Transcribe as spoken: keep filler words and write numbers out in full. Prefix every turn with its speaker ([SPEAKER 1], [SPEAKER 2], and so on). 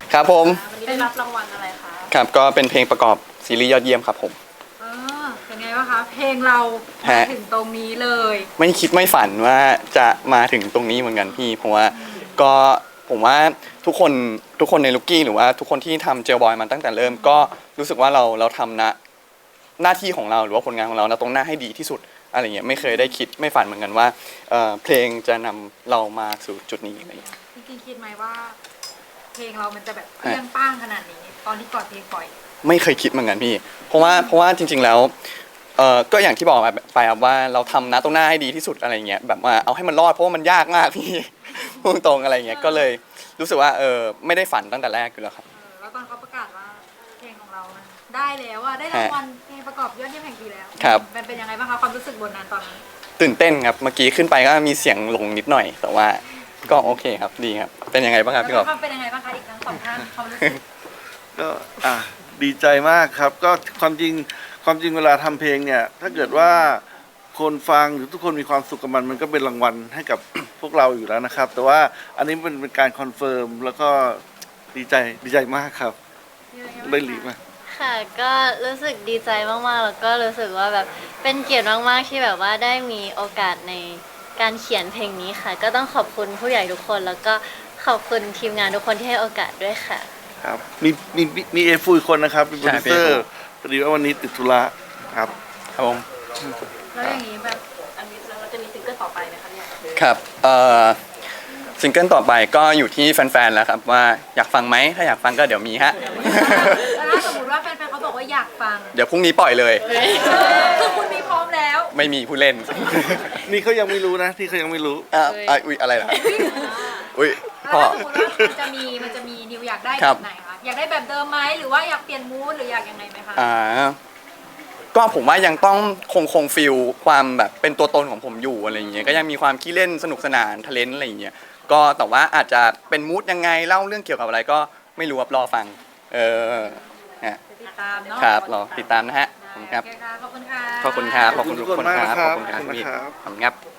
[SPEAKER 1] ครับผม
[SPEAKER 2] วันนี้ได้รับรางวัลอะไรคะ
[SPEAKER 1] ครับก็เป็นเพลงประกอบซีรีส์ยอดเยี่ยมครับผม
[SPEAKER 2] เออเป็นไงบ้างคะเพลงเรามาถึงตรงนี้เลย
[SPEAKER 1] ไม่คิดไม่ฝันว่าจะมาถึงตรงนี้เหมือนกันพี่เพราะว่าก็ผมว่าทุกคนทุกคนในลูกกี้หรือว่าทุกคนที่ทำเจลบอยมาตั้งแต่เริ่มก็รู้สึกว่าเราเราทำนะหน้าที่ของเราหรือว่าผลงานของเรานะตรงหน้าให้ดีที่สุดอะไรเงี้ยไม่เคยได้คิดไม่ฝันเหมือนกันว่าเพลงจะนำเรามาสู่จุดนี้อะไรเงี้ย
[SPEAKER 2] จริงๆคิดไหมว่า เพลงเรามันจะแบบเปรี้ยงป้างขนาดนี้ตอนที่ก่อนเพลงปล่อย
[SPEAKER 1] ไม่เคยคิดเหมือนกันพี่เพราะว่าเพราะว่าจริงๆแล้วเออก็อย่างที่บอกไปครับว่าเราทำนะตรงหน้าให้ดีที่สุดอะไรเงี้ยแบบว่าเอาให้มันรอดเพราะว่ามันยากมากพี่พูดตรงอะไรเงี้ยก็เลยรู้สึกว่าเออไม่ได้ฝันตั้งแต่แรกอยู่แล้วครับ
[SPEAKER 2] แล้วตอนเขาประกาศว่าเพลงของเราได้แล้วว่าได้รางวัลเพลงประกอบยอดเยี่ยมแห่งปีแล้ว
[SPEAKER 1] ครับ
[SPEAKER 2] มันเป็นยังไงบ้างคะความรู้สึกบนนั้นตอนนั้น
[SPEAKER 1] ตื่นเต้นครับเมื่อกี้ขึ้นไปก็มีเสียงหลงนิดหน่อยแต่ว่าก็โอเคครับดีครับเป็นยังไงบ้างครับพี่กอล์ฟ
[SPEAKER 2] เป็นยังไงบ้างคะอีกทั้งสองท่านความรู้สึก
[SPEAKER 3] ก็อ่ะดีใจมากครับก็ความจริงความจริงเวลาทำเพลงเนี่ยถ้าเกิดว่าคนฟังหรือทุกคนมีความสุขกับมันมันก็เป็นรางวัลให้กับพวกเราอยู่แล้วนะครับ แต่ว่าอันนี้เป็นเป็นการคอนเฟิร์มแล้วก็ดีใจดีใจมากครับได้หลีมา
[SPEAKER 4] ค่ะก็รู้สึกดีใจมากๆแล้วก็รู้สึกว่าแบบเป็นเกียรติมากๆที่แบบว่าได้มีโอกาสในการเขียนเพลงนี้ค่ะก็ต้องขอบคุณผู้ใหญ่ทุกคนแล้วก็ขอบคุณทีมงานทุกคนที่ให้โอกาสด้วยค่ะ
[SPEAKER 3] ครับมีมีมีเอฟูอีกคนนะครับเป็นโปรดิวเซอร์พอดีว่าวันนี้ติดธุระครับ
[SPEAKER 1] ครับผม
[SPEAKER 2] แล้วอย่างนี้แบบอันนี้เราจะมีซิงเกิลต่อไปไหมคะเนี่ย
[SPEAKER 1] ครับเอ่อซิงเกิลต่อไปก็อยู่ที่แฟนๆแล้วครับว่าอยากฟังไหมถ้าอยากฟังก็เดี๋ยวมีฮะ
[SPEAKER 2] ถ้าสมมติว่าแฟนๆเขาบอกว่าอยากฟัง
[SPEAKER 1] เดี๋ยวพรุ่งนี้ปล่อยเลย
[SPEAKER 2] คือคุณมีพร้อมแล้ว
[SPEAKER 1] ไม่มีผู้เล่น
[SPEAKER 3] นี่เขายังไม่รู้นะที่เขายังไม่รู้
[SPEAKER 1] อ่าอุ้ยอะไรล่ะอุ้ย
[SPEAKER 2] พ่อสมมติว่ามันจะมีมันจะมีนิวอยากได้แบบไหนคะอยากได้แบบเดิมไหมหรือว่าอยากเปลี่ยนมูดหรืออยากยังไงไหมคะ
[SPEAKER 1] อ่าก็ผมว่ายังต้องคงคงฟิลความแบบเป็นตัวตนของผมอยู่อะไรอย่างเงี้ยก็ยังมีความขี้เล่นสนุกสนานทะเลนอะไรอย่างเงี้ยก็แต่ว่าอาจจะเป็นมูดยังไงเล่าเรื่องเกี่ยวกับอะไรก็ไม่รู้ครับรอฟังเออฮะ
[SPEAKER 2] ติดตามเนาะ
[SPEAKER 1] ครับรอติดตามนะฮะ
[SPEAKER 2] ขอบคุณค่ะ
[SPEAKER 1] ขอบคุณครับขอบคุณทุกคนครับขอบคุณครับพี่ขอบคุณครับ